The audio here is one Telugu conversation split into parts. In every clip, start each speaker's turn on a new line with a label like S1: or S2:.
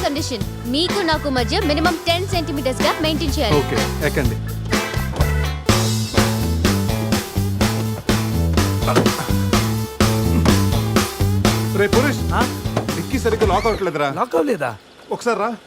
S1: కండిషన్, మీకు నాకు మధ్య మినిమం 10 సెంటీమీటర్స్ గా మెయింటైన్ చేయాలి.
S2: ఓకే, ఎక్కండి. రే పురుష్, డిక్కీ సరిగ్గా లాక్ అవ్వట్లేదురా.
S3: లాక్ అవ్వలేదా?
S2: ఒకసారి రా.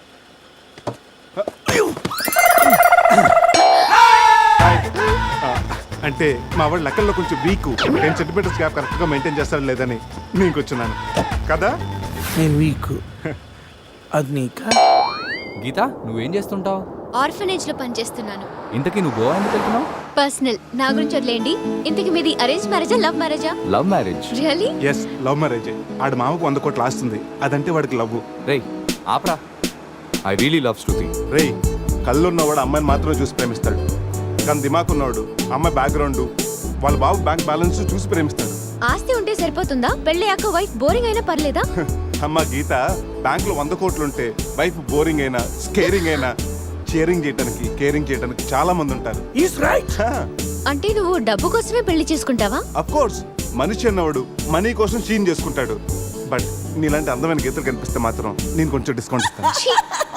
S2: అంటే మా వాడు లెక్కల్లో కొంచెం వీక్, 10 సెంటీమీటర్స్ గ్యాప్ కరెక్ట్గా మెయింటైన్ చేస్తాడు లేదని నీకు వచ్చినాను కదా.
S3: నేను వీక్. అది నీకా?
S4: గీత, నువ్వేం చేస్తుంటావు?
S1: ఆర్ఫనేజ్ లో పనిచేస్తున్నాను.
S4: ఇంతకీ నువ్వు గోవా ఎందుకు వెళ్తున్నావు?
S1: పర్సనల్, నా గురించి వదిలేండి. ఇంతకి మీది అరేంజ్ మ్యారేజా, లవ్ మ్యారేజా?
S4: Love marriage.
S1: Really?
S2: Yes, love మ్యారేజే. ఆడు మామకు 100 కోట్లు ఆస్తుంది, అదంటే వాడికి లవ్.
S4: రేయ్ ఆప్రా, ఐ రియలీ లవ్ శృతి.
S2: రే, కళ్ళున్నవాడు అమ్మాయిని మాత్రమే చూసి ప్రేమిస్తాడు, కానీ దిమాక్ ఉన్నవాడు అమ్మాయి బ్యాక్గ్రౌండ్, వాళ్ళ బాబు బ్యాంక్ బ్యాలెన్స్ చూసి ప్రేమిస్తాడు.
S1: ఆస్తి ఉంటే సరిపోతుందా? పెళ్ళయ్యాక వైఫ్ బోరింగ్ అయినా పర్లేదా?
S2: అమ్మ గీత, బ్యాంక్ లో 100 కోట్లు ఉంటే వైఫ్ బోరింగ్ అయినా, స్కేరింగ్ అయినా, షేరింగ్ చేయడానికి, కేరింగ్ చేయడానికి చాలా మంది ఉంటారు.
S3: Is right.
S1: అంటే నువ్వు డబ్బు కోసమే పెళ్లి చేసుకుంటావా?
S2: అఫ్ కోర్స్, మనిషి అన్నవాడు మనీ కోసం చీన్ చేసుకుంటాడు. బట్ నీలాంటి అందమైన గీతలు కనిపిస్తే మాత్రం నేను కొంచెం డిస్కౌంట్ ఇస్తాను.
S1: ఛీ!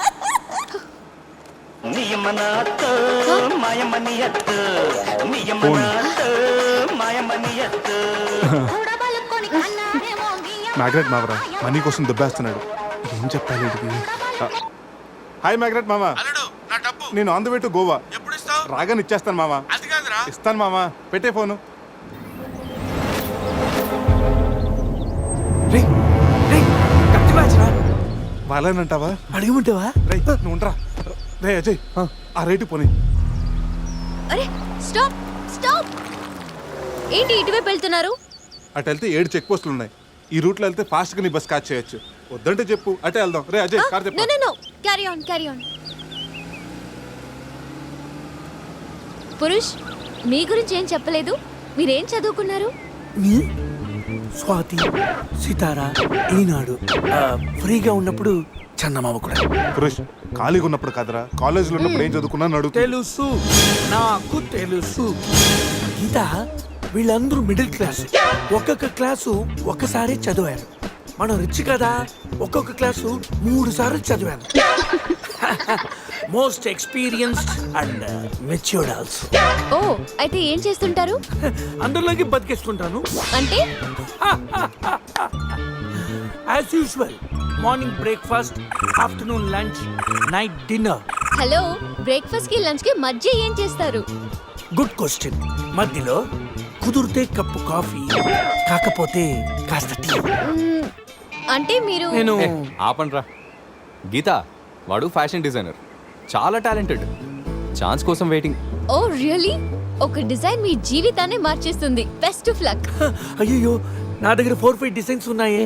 S2: మ్యాగ్రెట్ మావరా మనీ కోసం దుబ్బేస్తున్నాడు. ఏం చెప్పాలి వీడికి? హాయ్ మ్యాగ్రెట్ మామ, నేను on the way to Goa. రాగానే ఇచ్చేస్తాను మామ. ఇస్తాను మామ, పెట్టే ఫోను. వాళ్ళేనంటావా?
S3: అడగమంటావా?
S2: రే నువ్వు ఉండరా. రే అజయ్, ఆ రేటు పోనీ.
S1: అరే స్టాప్ స్టాప్! ఏంటి ఇటువైపు వెళ్తున్నారు?
S2: అటు వెళ్తే 7 చెక్ పోస్టులు ఉన్నాయి. ఈ రూట్లో వెళ్తే ఫాస్ట్గా నీ బస్ క్యాచ్ చేయొచ్చు. వద్దంటే చెప్పు, అటే వెళ్దాం. రే అజయ్, కార్ చెప్పు.
S1: No carry on carry on. Purush, మీ గురించి ఏం చెప్పలేదు. మీరేం చదువుకున్నారు?
S3: స్వాతి, సితారా, ఈనాడు. ఫ్రీగా ఉన్నప్పుడు చందమామ కూడా.
S2: పురుష్, ఖాళీగా ఉన్నప్పుడు కాదరా, కాలేజీలో ఉన్నప్పుడు ఏం చదువుకున్నాను అడుగు.
S3: తెలుసు, నాకు తెలుసు. గీత, వీళ్ళందరూ మిడిల్ క్లాస్. ఒక్కొక్క క్లాసు ఒక్కసారి చదివారు. మనం రిచ్ కదా, ఒక్కొక్క క్లాసు 3 సార్లు చదివాను. Most experienced and matured also.
S1: ఓ, అయితే ఏం చేస్తుంటారు?
S3: అందరిలోకి బతికేస్తుంటాను.
S1: అంటే
S3: as usual, morning breakfast, afternoon lunch, night dinner.
S1: Hello, breakfast కి లంచ్ కి మధ్య ఏం చేస్తారు?
S3: Good question. మధ్యలో కుదిరితే కప్పు కాఫీ, కాకపోతే కాస్త టీ.
S1: అంటే మీరు
S3: నేను
S4: ఆపండ్రా. గీత, వాడు ఫ్యాషన్ డిజైనర్, చాలా టాలెంటెడ్. ఛాన్స్ కోసం వెయిటింగ్.
S1: Oh really? ఒక డిజైన్ మీ జీవితాన్ని మార్చేస్తుంది. Best of luck.
S3: అయ్యో, నా దగ్గర 4-5 డిజైన్స్ ఉన్నాయే.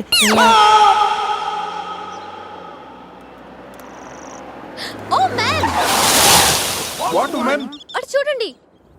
S1: Oh man,
S2: what man?
S1: అటు చూడండి.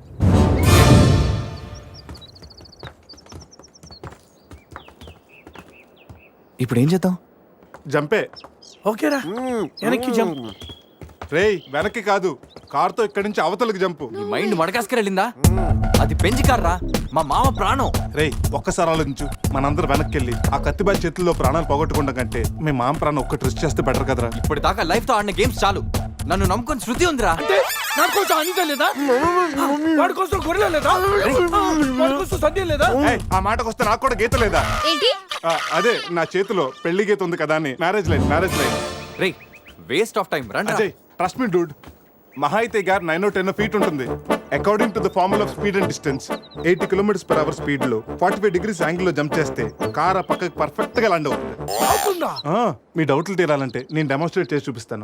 S4: ఇప్పుడు ఏం చేద్దాం?
S2: జంపే.
S3: ఓకేరా, వెనక్కి జంప్.
S2: రేయ్, వెనక్కి కాదు, కార్తో ఇక్కడి నుంచి అవతలకి జంపు.
S4: నీ మైండ్ మడకాసుకెళ్ళిందా? అది పెంచి కార్రా, మా మామ ప్రాణం.
S2: రేయ్, ఒక్కసారి ఆలోచించు. మనందరం వెనక్కి వెళ్ళి ఆ కత్తిబాయి చేతుల్లో ప్రాణాలు పోగొట్టుకుంటాం కంటే మీ మామ ప్రాణం ఒక్కటి రిస్క్ చేస్తే బెటర్ కదరా.
S4: ఇప్పటిదాకా లైఫ్ తో ఆడిన గేమ్స్ చాలు. నన్ను నమ్ముకొని శృతి ఉందిరా.
S3: అంటే నా కోసం అనిత లేదా? వాడి కోసం గొర్రె లేదా? వాడి కోసం సద్య లేదా?
S2: ఏయ్, ఆ మాటకు వస్తే నాకు కూడా గీత లేదా?
S1: ఏంటి?
S2: అదే, నా చేతిలో పెళ్లి గీత ఉంది కదా అని. Marriage line.
S4: రేయ్, వేస్ట్ ఆఫ్ టైం. రండి.
S2: అజయ్, ట్రస్ట్ మీ డూడ్, మహా అయితే గారు 9-10 ఫీట్ ఉంటుంది. According to the formula of speed and distance, 80 km/h speed లో 45 degrees యాంగిల్ లో జంప్ చేస్తే కార్ ఆ పక్కకి పర్ఫెక్ట్ గా ల్యాండ్ అవుతుంది. మీ డౌట్లు తీరాలంటే నేను డెమోన్స్ట్రేట్ చేసి చూపిస్తాను.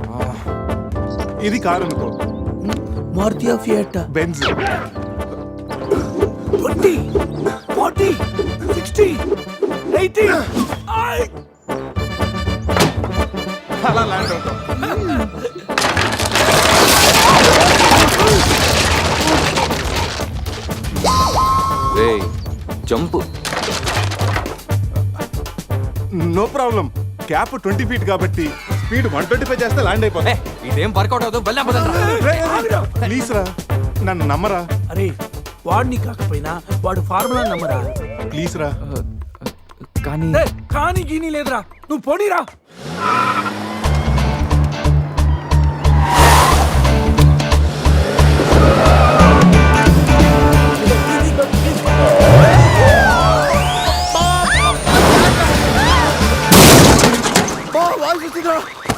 S2: ఇది కారు అనుకో,
S3: మారుతి ఫియట్,
S2: బెంజ్.
S3: 20, 40, 60, 80.
S2: అలా ల్యాండ్ అవుతాం.
S4: రేయ్, jump.
S2: No problem. Gap 20 feet కాబట్టి స్పీడ్ 125 చేస్తే ల్యాండ్ అయిపోతా.
S4: ఇదేం వర్కౌట్ అవుతుంది.
S2: ప్లీజ్ రా, నన్ను నమ్మరా.
S3: అరే, వాడిని కాకపోయినా వాడు ఫార్ములా నమ్మరా.
S2: ప్లీజ్ రా.
S4: కానీ
S3: కానీ గీనీ లేదురా, నువ్వు పోనీరా. అవుతుందా?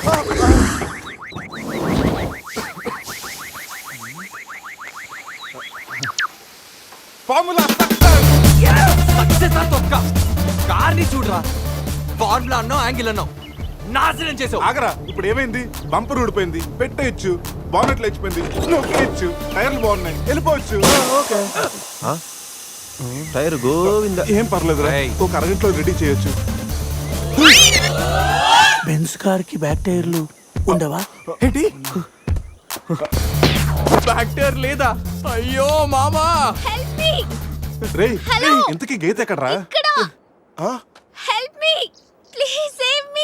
S2: ఫార్ములా
S4: సక్సెస్ తొక్క కార్ని చూడరా ఫార్ములా అన్నావు యాంగిల్ అన్నావు నాశనం చేసావు.
S2: ఆగరా, ఇప్పుడు ఏమైంది? బంపర్ ఊడిపోయింది, పెట్టేయచ్చు, బానెట్లు లేచిపోయింది, నొక్కేయచ్చు, టైర్లు బాగున్నాయి, వెళ్ళిపోవచ్చు.
S5: టైర్ గోవింద.
S2: ఏం పర్లేదు రా,
S4: రేయ్.
S2: ఒక అరగంటలో రెడీ చేయొచ్చు.
S3: బెంజ్ కార్ కి బ్యాక్ టైర్లు ఉండవా?
S2: ఏంటి?
S4: బ్యాక్ టైర్ లేదా? అయ్యో మామా.
S1: హెల్ప్ మీ
S2: రేయ్,
S1: హలో.
S2: ఇంతకీ గీత ఎక్కడ్రా?
S1: ఇక్కడ
S2: ఆ?
S1: Help me please save me.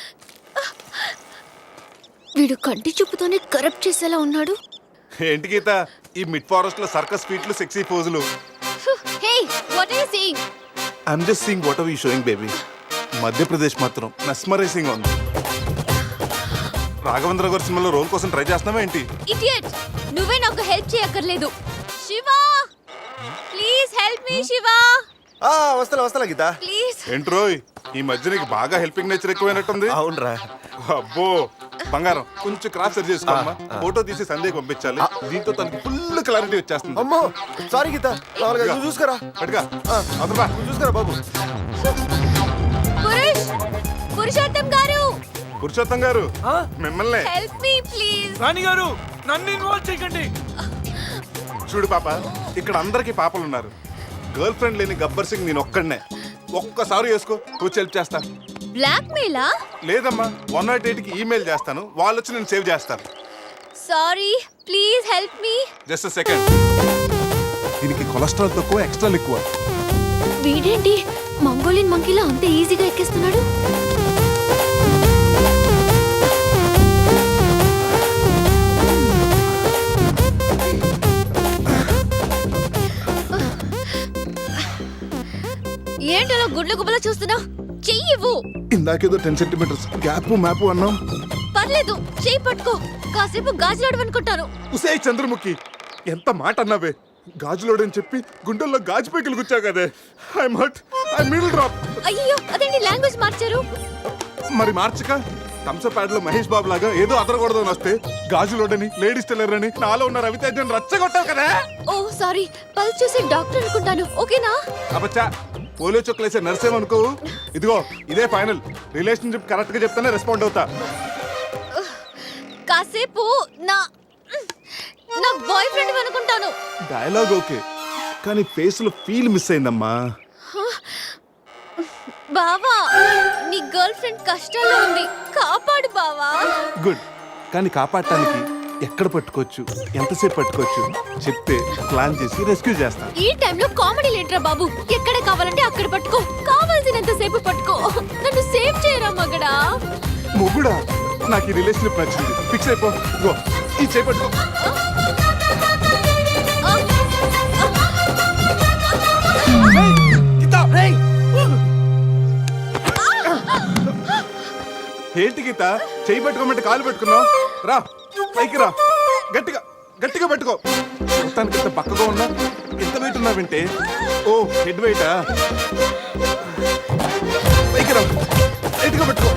S1: వీడు కంటి చూపుతోనే కరప్ట్ చేసేలా ఉన్నాడు.
S2: ఏంటి గీత ఈ మిడ్ ఫారెస్ట్ లో సర్కస్ ఫీట్లు, సెక్సీ పోజులు?
S1: Hey what are you seeing?
S2: I'm just seeing what are you showing baby. Madhya Pradesh మాత్రం మెస్మరైజింగ్ ఉంది. రాఘవేంద్ర గారి సినిమాలో రోల్ కోసం ట్రై చేస్తున్నావా ఏంటి?
S1: ఇడియట్, నువ్వే నాకు హెల్ప్ చేయక్కర్లేదు. Shiva please help me. Shiva
S5: వస్తా గీత.
S1: ప్లీజ్.
S2: ఏంట్రోయ్, ఈ మధ్య నీకు బాగా హెల్పింగ్ నేచర్ ఎక్కువైనట్టుంది.
S5: అవునరా.
S2: అబ్బో బంగారం, కొంచెం క్రాస్ సరి చేసుకోమ్మా. ఫోటో తీసి సందేహం పంపించాలి, దీంతో తనకి ఫుల్ క్లారిటీ వచ్చేస్తుంది.
S5: అమ్మో సారీ గీత. నువ్వు చూసుకురా.
S2: పట్టుగా అదరా.
S5: నువ్వు చూసుకురా బాబు.
S1: పురుషోత్తం గారు,
S2: పురుషోత్తం గారు మిమ్మల్ని.
S1: Help me please.
S3: రాణి గారు నన్ను ఇన్వాల్వ్ చేయకండి.
S2: చూడు పాప, ఇక్కడ అందరికి పాపలు ఉన్నారు. గర్ల్ ఫ్రెండ్ లేని గబ్బర్ సింగ్ నేను ఒక్కడనే. ఒక్కసారి వేసుకో, కూర్చో హెల్ప్ చేస్తా.
S1: బ్లాక్ మెయిలా?
S2: లేదమ్మా, 108 కి ఈమెయిల్ చేస్తాను, వాళ్ళు వచ్చి నేను సేవ్ చేస్తాను.
S1: Sorry please help me.
S2: Just second. దీనికి కొలెస్ట్రాల్ తక్కువ, ఎక్స్ట్రా ఎక్కువ.
S1: వీడేంటి మంగోలియన్ మంకీలా అంత ఈజీగా ఎక్కేస్తున్నాడు? ఏంటో గుడ్ల గుబ్బలా చూస్తున్నా? చెయ్యి ఇవ్వు.
S2: ఇందాకేదో 10 సెంటీమీటర్స్ గ్యాప్ మ్యాప్ అన్నాం.
S1: పర్లేదు, చెయ్యి పట్టుకో. కాసేపు గాజులాడు అనుకుంటాను.
S2: ఉసే చంద్రముఖి, ఎంత మాట అన్నావే. గాజులోడని చెప్పి గుండెల్లో గాజు పైకలు గుచ్చావు కదే. I hurt, I middle drop.
S1: అయ్యో అదేంటి లాంగ్వేజ్ మార్చారు?
S2: మరి మార్చక థమ్సప్ లో మహేష్ బాబు లాగా ఏదో అదరకూడదు అని వస్తే గాజులోడని, లేడీస్ టైలర్ అని, నాలో ఉన్న రవితేజని రచ్చగొట్టావు కదా.
S1: ఓ సారీ, పల్స్ చూసి డాక్టర్ అనుకుంటాను. ఓకేనా?
S2: అబచ్చా, పోలియో చుక్కలేసే నర్సేమనుకో. ఇదిగో ఇదే ఫైనల్. రిలేషన్షిప్ కరెక్ట్ గా చెప్తానే రెస్పాండ్ అవుతా.
S1: కాసేపు నా నా బాయ్ ఫ్రెండ్ అనుకుంటాను.
S2: డైలాగ్ ఓకే, కానీ ఫేస్ లో ఫీల్ మిస్ అయిందమ్మా.
S1: బావా, నీ గర్ల్ ఫ్రెండ్ కష్టాల్లో ఉంది, కాపాడు బావా.
S2: గుడ్, కానీ కాపాడటానికి ఎక్కడ పట్టుకోవచ్చు, ఎంతసేపు పట్టుకోవచ్చు చెప్తే ప్లాన్ చేసి రెస్క్యూ చేస్తాను.
S1: ఈ టైంలో కామెడీ లేటరా బాబు. ఎక్కడ కావాలంటే అక్కడ పట్టుకో, కావాల్సినంత సేపు పట్టుకో. నన్ను సేవ్ చేయరా మగడా.
S2: మొగుడా, నాకు ఈ రిలేషన్షిప్ నచ్చింది. ఫిక్స్ అయిపో. గో, ఈ చేపట్టుకో. ఏంటి గీత, చేయి పట్టుకోమంటే కాలు పెట్టుకున్నావు? రా పైకి రా, గట్టిగా గట్టిగా పట్టుకో. మొత్తానికి ఇంత పక్కగా ఉన్నా, ఎంత వెయిట్ ఉన్నా వింటే. ఓ హెడ్ వెయిటా? పైకి రా, గట్టిగా పట్టుకో.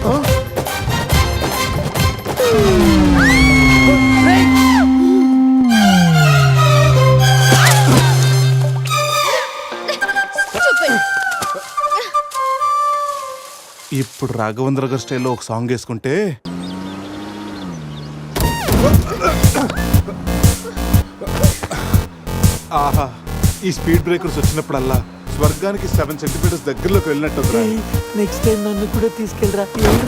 S2: ఇప్పుడు రాఘవేంద్ర గారి స్టైల్లో ఒక సాంగ్ వేసుకుంటే ఆహా, ఈ స్పీడ్ బ్రేకర్స్ వచ్చినప్పుడల్లా స్వర్గానికి 7 సెంటీమీటర్స్ దగ్గరలోకి వెళ్ళినట్టు.
S3: నెక్స్ట్ టైం నన్ను కూడా తీసుకెళ్ళరా.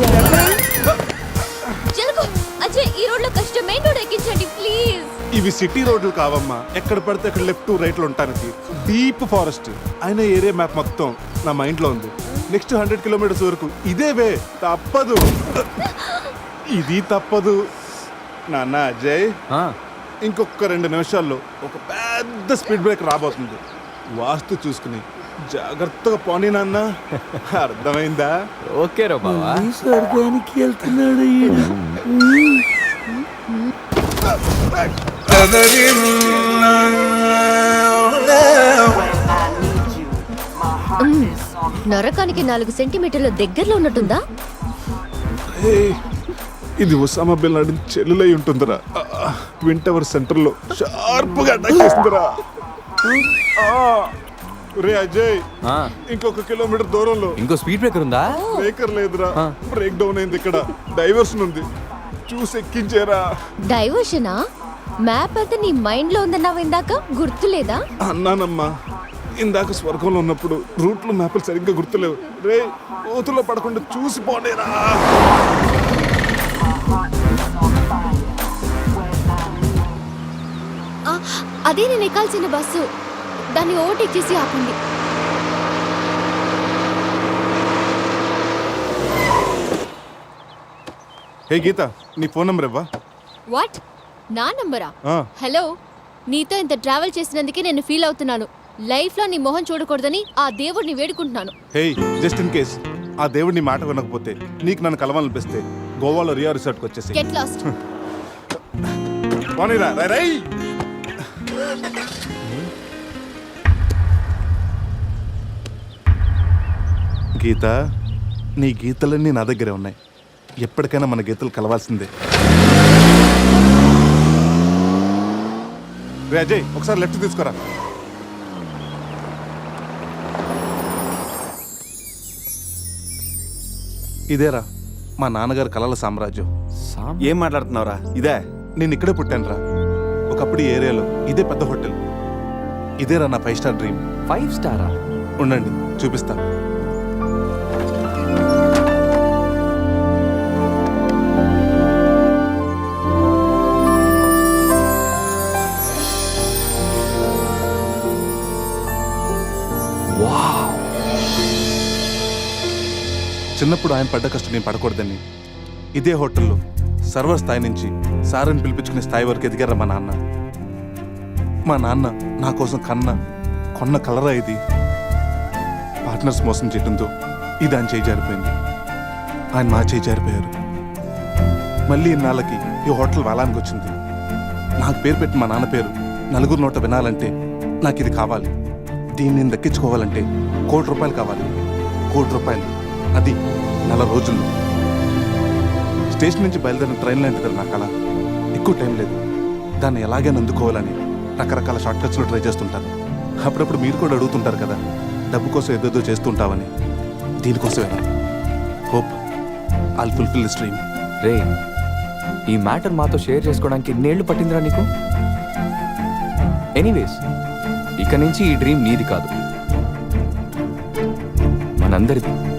S1: జరుగు అజయ్, ఈ రోడ్ లో కష్టం. మెయిన్ రోడ్ ఎక్కించండి ప్లీజ్.
S2: ఇవి సిటీ రోడ్లు కావమ్మా, ఎక్కడ పడితే అక్కడ లెఫ్ట్ రైట్ లో ఉంటానికి. డీప్ ఫారెస్ట్ అయిన ఏరియా మ్యాప్ మొత్తం నా మైండ్ లో ఉంది. నెక్స్ట్ 100 కిలోమీటర్స్ వరకు ఇదే వే. తప్పదు, ఇది తప్పదు. నాన్న అజయ్, ఇంకొక 2 నిమిషాల్లో ఒక పెద్ద స్పీడ్ బ్రేక్ రాబోతుంది. వాస్తు చూసుకుని జాగ్రత్తగా పోనీ నాన్న. అర్థమైందా?
S4: ఓకే రా బావా.
S3: స్వర్గానికి వెళ్తున్నాడు ఈయన.
S1: నరకానికి 4 సెంటీమీటర్ల దగ్గరలో ఉన్నట్టుందా?
S2: ఏయ్, ఇది ఒసామా బిన్ లాడెన్ చెల్లులై ఉంటుందిరా. ట్విన్ టవర్ సెంటర్ లో షార్ప్ గా అటాక్ చేస్తుందిరా. రే అజయ్,
S4: ఆ,
S2: ఇంకొక కిలోమీటర్ దూరంలో
S4: ఇంకో స్పీడ్ బ్రేకర్ ఉందా?
S2: బ్రేకర్ లేదురా. బ్రేక్ డౌన్ అయింది ఇక్కడ. డైవర్షన్ ఉంది, చూసి ఎక్కించేరా.
S1: డైవర్షనా? మ్యాప్ అయితే నీ మైండ్ లో ఉందన్నావు ఇందాక, గుర్తులేదా?
S2: అన్నానమ్మా, ఇందాక స్వర్గంలో ఉన్నప్పుడు రూట్లు మ్యాప్లు సరిగ్గా గుర్తులేవు. రే, కోతుల్లో పడకుండా చూసి పోనేరా.
S1: ఆ, అదే నేను ఎక్కాల్సిన బస్సు. దాన్ని ఓవర్టేక్ చేసి ఆపండి.
S2: హే గీత, నీ ఫోన్ నెంబర్ ఇవ్వా?
S1: వాట్? నా నంబరా?
S2: ఆ.
S1: హలో, నీతో ఇంత ట్రావెల్ చేసినందుకే నేను ఫీల్ అవుతున్నాను. లైఫ్ లో నీ మొహం చూడకూడదని ఆ దేవుడిని వేడుకుంటున్నాను.
S2: హే, జస్ట్ ఇన్ కేస్ ఆ దేవుడిని మాట వినకపోతే, నీకు నన్ను కలవాలనిపిస్తే గోవాలో రియా రిసార్ట్కి వచ్చేసి
S1: గెట్ లాస్ట్.
S2: పోనీరా. రై రై. గీత, నీ గీతలన్నీ నా దగ్గరే ఉన్నాయి. ఎప్పటికైనా మన గీతలు కలవాల్సిందే. రే అజయ్, ఒకసారి లెఫ్ట్ తీసుకోరా. ఇదేరా మా నాన్నగారు కలల సామ్రాజ్యం.
S5: ఏం మాట్లాడుతున్నావురా? ఇదే
S2: నేను ఇక్కడే పుట్టానురా. ఒకప్పుడు ఈ ఏరియాలో ఇదే పెద్ద హోటల్. ఇదేరా నా 5 స్టార్ డ్రీమ్.
S4: 5 స్టారా?
S2: ఉండండి, చూపిస్తా. చిన్నప్పుడు ఆయన పడ్డ కష్టం నేను పడకూడదని ఇదే హోటల్లో సర్వర్ స్థాయి నుంచి సారని పిలిపించుకునే స్థాయి వరకు ఎదిగారా మా నాన్న. మా నాన్న నా కోసం కొన్న కలరా ఇది. పార్ట్నర్స్ మోసం చేయడంతో ఇది ఆయన చేయి జారిపోయింది. ఆయన మా చేయి జారిపోయారు. మళ్ళీ ఇన్నాళ్ళకి ఈ హోటల్ వేలానికి వచ్చింది. నాకు పేరు పెట్టి మా నాన్న పేరు నలుగురు నోట వినాలంటే నాకు ఇది కావాలి. దీన్ని నేను దక్కించుకోవాలంటే ₹1,00,00,000 కావాలి. ₹1,00,00,000, అది 4 రోజుల్లో. స్టేషన్ నుంచి బయలుదేరిన ట్రైన్ లాంటిది నా కళ. ఎక్కువ టైం లేదు. దాన్ని ఎలాగైనా అందుకోవాలని రకరకాల షార్ట్ కట్స్లో ట్రై చేస్తుంటాను. అప్పుడప్పుడు మీరు కూడా అడుగుతుంటారు కదా, డబ్బు కోసం ఏదేదో చేస్తుంటావని. దీనికోసమేనా? Hope I'll fulfil this dream.
S4: రే, ఈ మ్యాటర్ మాతో షేర్ చేసుకోవడానికి ఎన్నేళ్ళు పట్టిందిరా నీకు? ఎనీవేస్, ఇక నుంచి ఈ డ్రీమ్ నీది కాదు, మనందరిది.